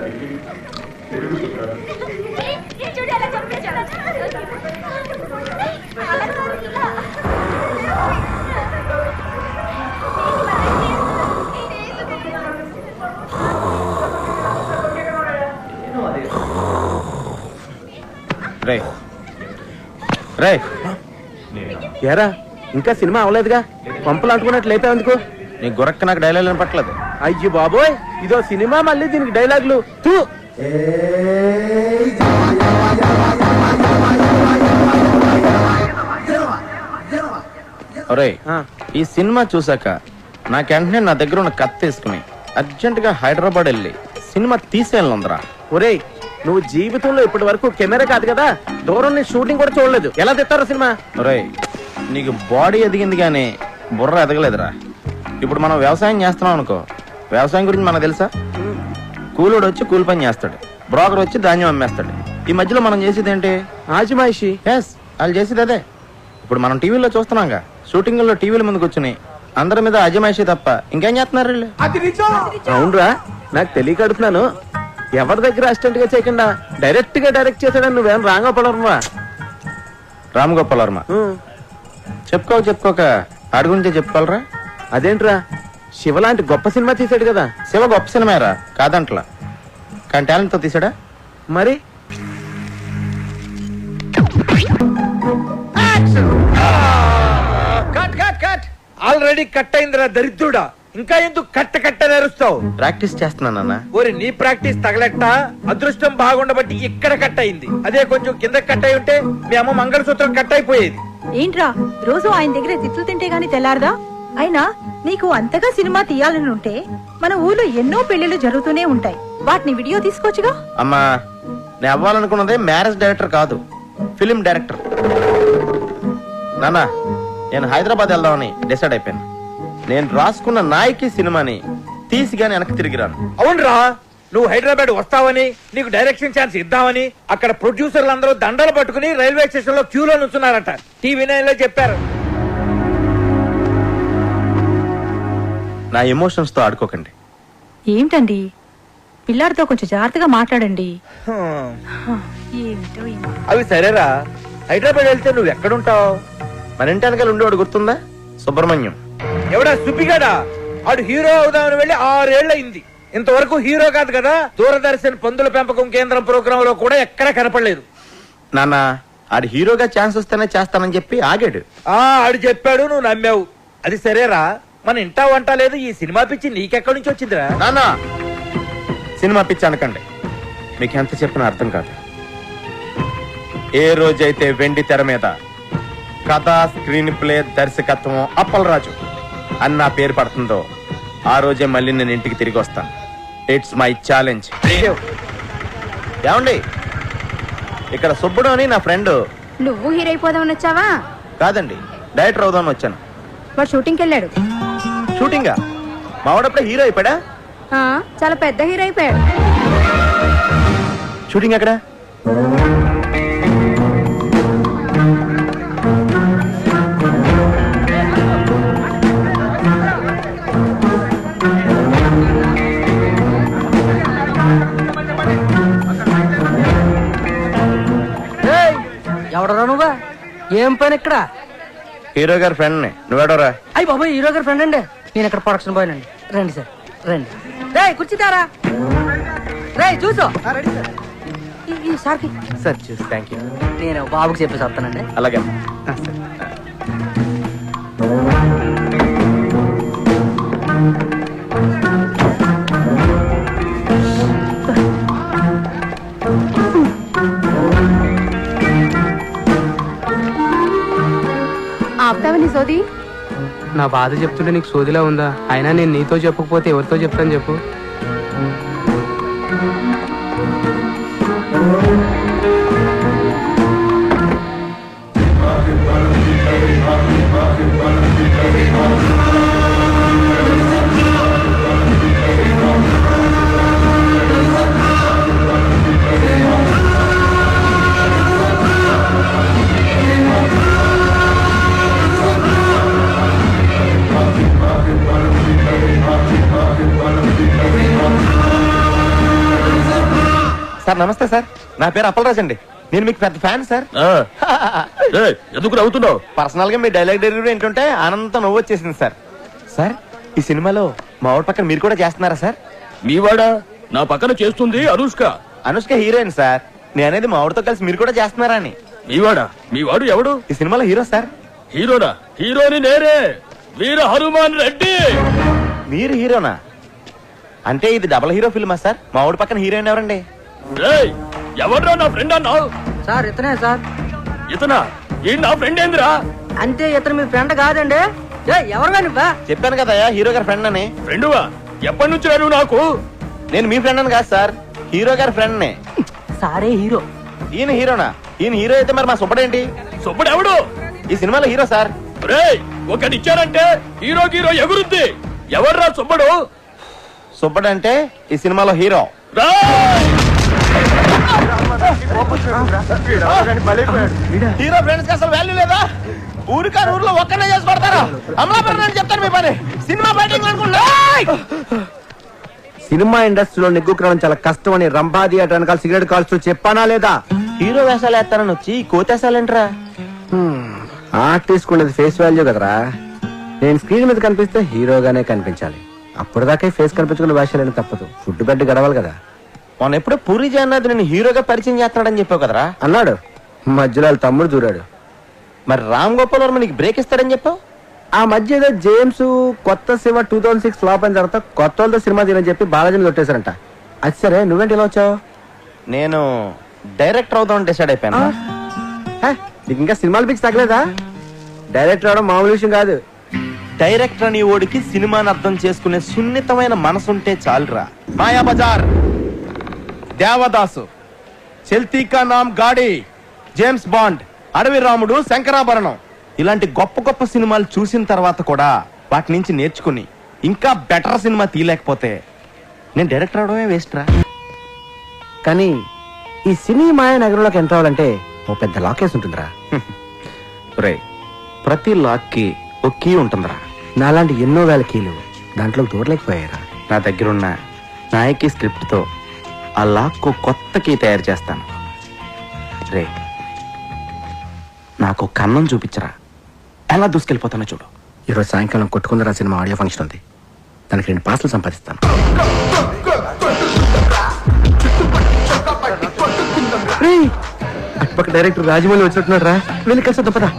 ఏరా ఇంకా సినిమా అవలేదుగా, పంపలు అంటుకున్నట్లు లేపా ఎందుకు? నీ గురక్క నాకు డైలాగ్ పట్టలేదు. అయ్యో బాబోయ్, ఇదో సినిమా మళ్ళీ దీనికి డైలాగులు. ఒరే, ఈ సినిమా చూసాక నాకెంటనే నా దగ్గర ఉన్న కత్తి తీసుకుని అర్జెంట్ గా హైదరాబాద్ వెళ్ళి సినిమా తీసేయాలందరా. ఒరే, నువ్వు జీవితంలో ఇప్పటి వరకు కెమెరా కాదు కదా, దూరం నుంచి షూటింగ్ కూడా చూడలేదు, ఎలా తెస్తారో సినిమా? ఒరే, నీకు బాడీ ఎదిగింది కానీ బుర్ర ఎదగలేదురా. ఇప్పుడు మనం వ్యవసాయం చేస్తున్నాం అనుకో, వ్యవసాయం గురించి మనకు తెలుసా? కూలోడు వచ్చి కూలి పని చేస్తాడు, బ్రోకర్ వచ్చి ధాన్యం అమ్మేస్తాడు. ఈ మధ్యలో మనం చేసేది ఏంటి? ఆజిమాయిషి. ఎస్, వాళ్ళు చేసేది అదే. ఇప్పుడు మనం టీవీలో చూస్తున్నాంగా, షూటింగ్ లో టీవీల ముందుకు వచ్చి అందరి మీద అజమాయిషి తప్ప ఇంకేం చేస్తున్నారు వీళ్ళు? అవునరా, నాకు తెలియక అడుగుతున్నాను. ఎవరి దగ్గర అసిస్టెంట్ గా చేయకుండా డైరెక్ట్ గా డైరెక్ట్ చేశాడని నువ్వేం రామగోపాలవర్మ? రామగోపాలవర్మ చెప్పుకోక ఆడి గురించే చెప్పుకోవాలరా. అదేంట్రా, శివ లాంటి గొప్ప సినిమా తీసాడు కదా. శివ గొప్ప సినిమారా కాదంట్లా, కానీ టాలెంట్ తో తీసాడా మరి. ఆల్రెడీ కట్ అయిందిరా దరిద్రుడా, ఇంకా ఎందుకు కట్ట నేరుస్తావు? ప్రాక్టీస్ చేస్తున్నానన్న. ఓరి నీ ప్రాక్టీస్ తగలెట్ట, అదృష్టం బాగుండబట్టి ఇక్కడ కట్ అయింది. అదే కొంచెం కింద కట్ అయి ఉంటే మీ అమ్మ మంగళసూత్రం కట్ అయిపోయేది. ఏంట్రా రోజు ఆయన దగ్గర తిట్లు తింటే గాని తెల్లారదా? అయినా నీకు అంతగా సినిమా తీయాలని ఉంటే మన ఊర్లో ఎన్నో పెళ్లిళ్ళు జరుగుతూనే ఉంటాయి, వాటిని వీడియో తీసుకోవచ్చుగా. అమ్మా, నేను అవ్వాలనుకున్నదే మ్యారేజ్ డైరెక్టర్ కాదు, ఫిలిం డైరెక్టర్. నాన్న, నేను హైదరాబాద్ వెళ్దామని డిసైడ్ అయిపోయాను. నేను రాసుకున్న నాయకి సినిమాని తీసి గాని వెనక్కి తిరిగిరాను. అవునరా, నువ్వు హైదరాబాద్ వస్తావని, నీకు డైరెక్షన్ ఛాన్స్ ఇద్దామని అక్కడ ప్రొడ్యూసర్లు అందరూ దండలు పట్టుకుని రైల్వే స్టేషన్ లో క్యూలో నుంచున్నారట. టీవీ నైన్ లో చెప్పారు. నా ఎమోషన్స్ తో ఆడుకోకండి. ఏంటండి, పిల్లాడితో కొంచెం జాగ్రత్తగా మాట్లాడండి. అవి సరేరా, హైదరాబాద్ వెళ్తే నువ్వు ఎక్కడుంటావు? మన ఇంటి వెనకాల ఉండేవాడు గుర్తుందా? సుబ్రహ్మణ్యం. ఎవడా సుబ్బిగాడా? ఆడు హీరో అవుదామని వెళ్ళి 6 ఏళ్లయింది, ఇంతవరకు హీరో కాదు కదా. దూరదర్శన్ పందుల పెంపకం కేంద్రం ప్రోగ్రామ్ లో కూడా ఎక్కడా కనపడలేదు. నాన్న, ఆడు హీరోగా ఛాన్స్ వస్తేనే చేస్తానని చెప్పి ఆగాడు. ఆడు చెప్పాడు, నువ్వు నమ్మావు. అది సరేరా, మన ఇంటా వంట లేదు, ఈ సినిమా పిచ్చి నీకెక్కడి నుంచి వచ్చిందిరా? నాన్న, సినిమా పిచ్చి అనకండి, మీకు ఎంత చెప్పినా అర్థం కాదు. ఏ రోజైతే వెండి తెర మీద కథ, స్క్రీన్ ప్లే, దర్శకత్వం అప్పలరాజు అన్న పేరు పడుతుందో ఆ రోజే మళ్ళీ నేను ఇంటికి తిరిగి వస్తాను. It's my challenge. ఏమండి, ఇక్కడ సుబ్బుడు అని నా ఫ్రెండ్. నువ్వు హీరో అయిపోదామని వచ్చావా? కాదండి, డైరెక్టర్ అవుదామని వచ్చాను. వాడు షూటింగ్కి వెళ్ళాడు. షూటింగా? మావాడప్పుడే హీరో అయిపోయాడా? చాలా పెద్ద హీరో అయిపోయాడు. షూటింగ్ ఎక్కడ? ఎవడరా నువ్వా? ఏం పని ఇక్కడ? హీరో గారి ఫ్రెండ్ ని. నువ్వేడోరా? అయ్యి బాబు, హీరో గారి ఫ్రెండ్ అండి. నేను ఇక్కడ ప్రొడక్షన్ బాయ్ అండి. రండి సార్, రండి. రే కూర్చుతారా? రే చూసో సార్కి. సార్ చూసి థ్యాంక్ యూ. నేను బాబుకి చెప్పేసి వస్తానండి. అలాగే. ఆపుతావని సోది? నా బాధ చెప్తుంటే నీకు సోదిలా ఉందా? అయినా నేను నీతో చెప్పకపోతే ఎవరితో చెప్తాను చెప్పు. సార్ నమస్తే సార్, నా పేరు అప్పలరాజ్ అండి. నేను మీకు పెద్ద ఫ్యాన్ సార్. ఎందుకు నవ్వుతున్నావు? పర్సనల్ గా మీ డైలాగ్ డెలివరీ ఏంటంటే ఆనందంతో నవ్వు వచ్చేసింది సార్. సార్ ఈ సినిమాలో మా ఊరి పక్కన మీరు కూడా చేస్తున్నారా సార్? మీవాడా? నా పక్కన చేస్తుంది అనుష్క. Anushka heroine sir. నేను అనేది మా ఊరితో కలిసి మీరు కూడా చేస్తున్నారా అని. మీవాడా? మీవాడు ఎవడు? ఈ సినిమాలో హీరో సార్. హీరోనా? హీరోని నేనే, వీర హనుమాన్ రెడ్డి. మీరు హీరోనా? అంటే ఇది డబల్ హీరో ఫిల్మా సార్? మా ఊరి పక్కన హీరోయిన్ ఎవరండి? రేయ్, ఎవడ్రా నా ఫ్రెండ్ అన్నావు? సార్ ఇతనే సార్. ఇతనా? ఈ నా ఫ్రెండ్ ఏందిరా? అంటే ఇతను మీ ఫ్రెండ్ కాదండి. ఎవరు నువ్వా? చెప్పాను కదా హీరో గారి ఫ్రెండ్ అని. ఫ్రెండువా? ఎప్పటి నుంచి నువ్వు నాకు? నేను మీ ఫ్రెండ్ అని కాదు సార్, హీరో గారి ఫ్రెండ్ నే. సారే హీరో. ఈయన హీరోనా? ఈయన హీరో అయితే మరి మా సుబ్బడేంటి? సుబ్బడు ఎవడు? ఈ సినిమాలో హీరో సార్. రేయ్, ఒకటిచ్చారంటే హీరో హీరో ఎగురుద్ది. ఎవర్రా సుబ్బడు? సుబ్బడు అంటే ఈ సినిమాలో హీరో. హీరో ఫ్రెండ్స్ కి అసలు వాల్యూ లేదా? ఊరికారు ఊర్లో ఒక్కనే చేసి పడతారా? అమలాపురం అని చెప్తాను మీ పని. సినిమా బయటింగ్ అనుకుంటా. సినిమా ఇండస్ట్రీలో నిగ్గుకరణం చాలా కష్టం అని రంభా థియేటర్ వెనకాల సిగరెట్ కాల్స్తూ చెప్పానా లేదా? హీరో వేషాలు వేస్తానని వచ్చి కోతేసాలేంట్రా? ఆర్టిస్ట్ ఉండేది ఫేస్ వాల్యూ కదరా. నేను స్క్రీన్ మీద కనిపిస్తే హీరోగానే కనిపించాలి. అప్పటిదాకా ఫేస్ కనిపించుకున్న వేషాలని తప్పదు. ఫుడ్ బెడ్ గడవాలి కదా. మొన్న ఎప్పుడో పూరి జగన్నాథ్ నేను హీరోగా పరిచయం చేస్తున్నాడని చెప్పావు కదరా? అన్నాడు. మధ్యలో వాళ్ళ తమ్ముడు దూరాడు. మరి రామ్ గోపాల్ వర్మ నీకు బ్రేక్ ఇస్తాడని చెప్పావు. ఆ మధ్య ఏదో జేమ్స్ కొత్త సినిమా 2006 ఫ్లాప్ అయిన తర్వాత కొత్త వాళ్ళతో సినిమా తీయని చెప్పి బాలాజీని కొట్టేశారంట. అది సరే, నువ్వేంటి ఇలా వచ్చావు? నేను డైరెక్టర్ అవుదామని డిసైడ్ అయిపోయాను. నీకు ఇంకా సినిమాలు పిచ్చి తగ్గలేదా? డైరెక్టర్ అవడం మామూలు విషయం కాదు. డైరెక్టర్ అని ఓడికి సినిమాని అర్థం చేసుకునే సున్నితమైన మనసుంటే చాలురా. మాయా బజార్, దేవదాసు, చల్తీ కా నామ్ గాడి, జేమ్స్ బాండ్, అడవి రాముడు, శంకరాభరణం ఇలాంటి గొప్ప గొప్ప సినిమాలు చూసిన తర్వాత కూడా వాటి నుంచి నేర్చుకుని ఇంకా బెటర్ సినిమా తీయలేకపోతే నేను డైరెక్టర్ అవడమే వేస్ట్ రా. కానీ ఈ సినీ మాయ నగరంలోకి ఎంటర్ అవ్వాలంటే ఓ పెద్ద లాకేస్ ఉంటుందిరా. రే, ప్రతి లాక్ కి ఒక కీ ఉంటుందిరా. నాలాంటి ఎన్నో వేల కీలు దాంట్లో దూరలేకపోయారా. నా దగ్గరున్న నాయకి స్క్రిప్ట్ తో ఆ లాక్ కొత్త కీ తయారు చేస్తాను. రే, నాకు కన్నం చూపించరా, ఎలా దూసుకెళ్ళిపోతానో చూడు. ఈరోజు సాయంకాలం కొట్టుకుందరా సినిమా ఆడియో ఫంక్షన్ ఉంది. దానికి 2 పాసులు సంపాదిస్తాను. అటుపక్క డైరెక్టర్ రాజమౌళి వచ్చినట్టున్నాడు రా. వెళ్ళి కలిసి పదా.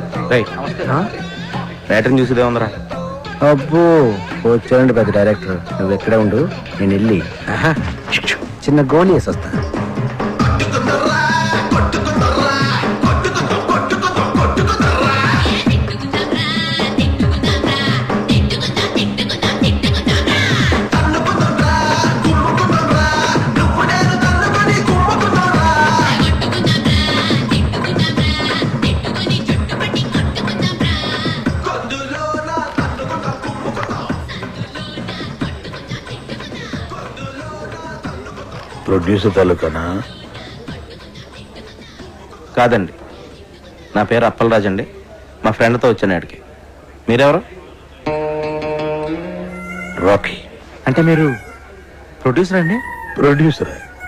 రైటర్ని చూసేదే ఉందరా. అబ్బో వచ్చారండి పెద్ద డైరెక్టర్. నువ్వు ఎక్కడే ఉండు, నేను వెళ్ళి చిన్న గోళీ వేసి వస్తా. ప్రొడ్యూసర్ తాలూకానా? కాదండి, నా పేరు అప్పలరాజ్ అండి. మా ఫ్రెండ్తో వచ్చాను ఆడికి. మీరెవరు? రాకీ. అంటే మీరు ప్రొడ్యూసర్ అండి? ప్రొడ్యూసర్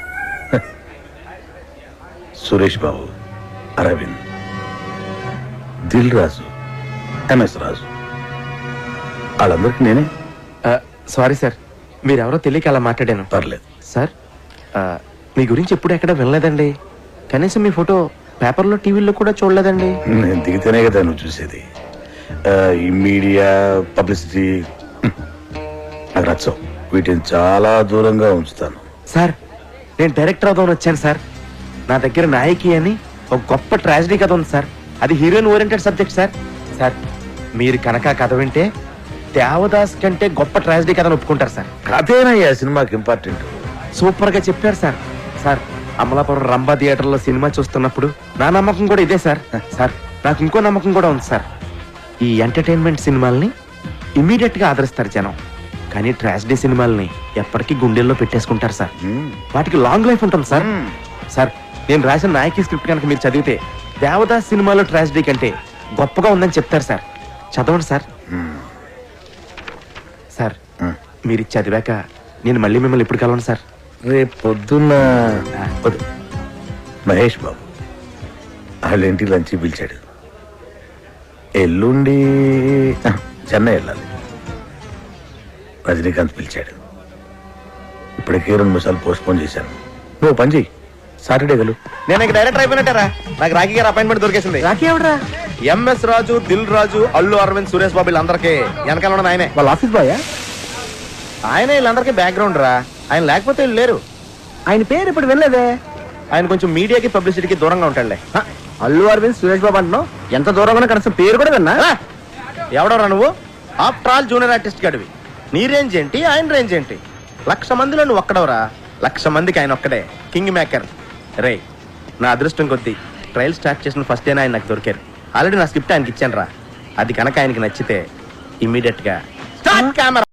సురేష్ బాబు, అరవింద్, దిల్ రాజు, ఎంఎస్ రాజు, వాళ్ళందరికీ నేనే. సారీ సార్, మీరెవరో తెలియక అలా మాట్లాడాను. పర్లేదు సార్, మీ గురించి ఎప్పుడు ఎక్కడ వినలేదండి. కనీసం మీ ఫోటో పేపర్లో టీవీలో కూడా చూడలేదండి. నేను దిగితేనే కదా నువ్వు చూసేది. ఈ మీడియా పబ్లిసిటీ నాకు నచ్చవు. వీటిని చాలా దూరంగా ఉంచుతాను. సార్, నేను డైరెక్టర్ అవుదామని వచ్చాను సార్. నా దగ్గర నాయకి అని ఒక గొప్ప ట్రాజడీ కథ ఉంది సార్. అది heroine oriented subject sir. Sir, మీరు కనుక కథ వింటే దేవదాస్ కంటే గొప్ప ట్రాజడీ కథను ఒప్పుకుంటారు సార్. కథేనయ్యా సినిమాకి ఇంపార్టెంట్. సూపర్ గా చెప్పారు sir. Sir, Amalapuram Rambha theatre లో సినిమా చూస్తున్నప్పుడు నా నమ్మకం కూడా ఇదే సార్. సార్, నాకు ఇంకో నమ్మకం కూడా ఉంది సార్. ఈ ఎంటర్టైన్మెంట్ సినిమాల్ని ఇమీడియట్ గా ఆదరిస్తారు జనం, కానీ ట్రాజడీ సినిమాల్ని ఎప్పటికీ గుండెల్లో పెట్టేసుకుంటారు సార్. వాటికి లాంగ్ లైఫ్ ఉంటుంది సార్. సార్, నేను రాసిన నాయకి స్క్రిప్ట్ కనుక మీరు చదివితే దేవదాస్ సినిమాలో ట్రాజడీ కంటే గొప్పగా ఉందని చెప్తారు సార్. చదవండి సార్. సార్, మీరు చదివాక నేను మళ్ళీ మిమ్మల్ని ఎప్పుడు కలవను సార్. రేపు పొద్దున్న వద్దు. మహేష్ బాబు వాళ్ళ ఇంటికి లంచ్ పిలిచాడు. ఎల్లుండి చెన్నై వెళ్ళాలి. రజనీకాంత్ పిలిచాడు. ఇప్పటికే 2 నిమిషాలు పోస్ట్పోన్ చేశాను. నువ్వు పని చెయ్యి, సాటర్డే గలు. నేను ఇక డైరెక్టర్ అయిపోయినట్టారా? నాకు రాఖీ గారు అపాయింట్మెంట్ దొరికేసింది. రాఖీ ఎవడరా? ఎంఎస్ రాజు, దిల్ రాజు, అల్లు అరవింద్, సురేష్ బాబు వీళ్ళందరికీ వెనకాల ఉన్నది ఆయనే. వాళ్ళ ఆఫీస్ బాయ్? ఆయనే వీళ్ళందరికీ బ్యాక్గ్రౌండ్ రా. ఆయన లేకపోతే వీళ్ళు లేరు. ఆయన పేరు ఇప్పుడు వినలేదే. ఆయన కొంచెం మీడియాకి పబ్లిసిటీకి దూరంగా ఉంటాడులే. హ, అల్లు అరవింద్ సురేష్ బాబు అంటున్నావు. ఎంత దూరంగా కనీసం పేరు కూడా విన్నా. ఎవడరా నువ్వు? ఆఫ్టర్ ఆల్ జూనియర్ ఆర్టిస్ట్ గడివి. నీ రేంజ్ ఏంటి, ఆయన రేంజ్ ఏంటి? 1,00,000 మందిలో నువ్వు ఒక్కడవరా. 1,00,000 మందికి ఆయన ఒక్కడే కింగ్ మేకర్. రే, నా అదృష్టం కొద్దీ ట్రయల్ స్టార్ట్ చేసిన ఫస్ట్ డేనే ఆయన నాకు దొరికారు. ఆల్రెడీ నా స్క్రిప్ట్ ఆయనకి ఇచ్చాను రా. అది కనుక ఆయనకి నచ్చితే ఇమ్మీడియట్ గా స్టార్ట్ కెమెరా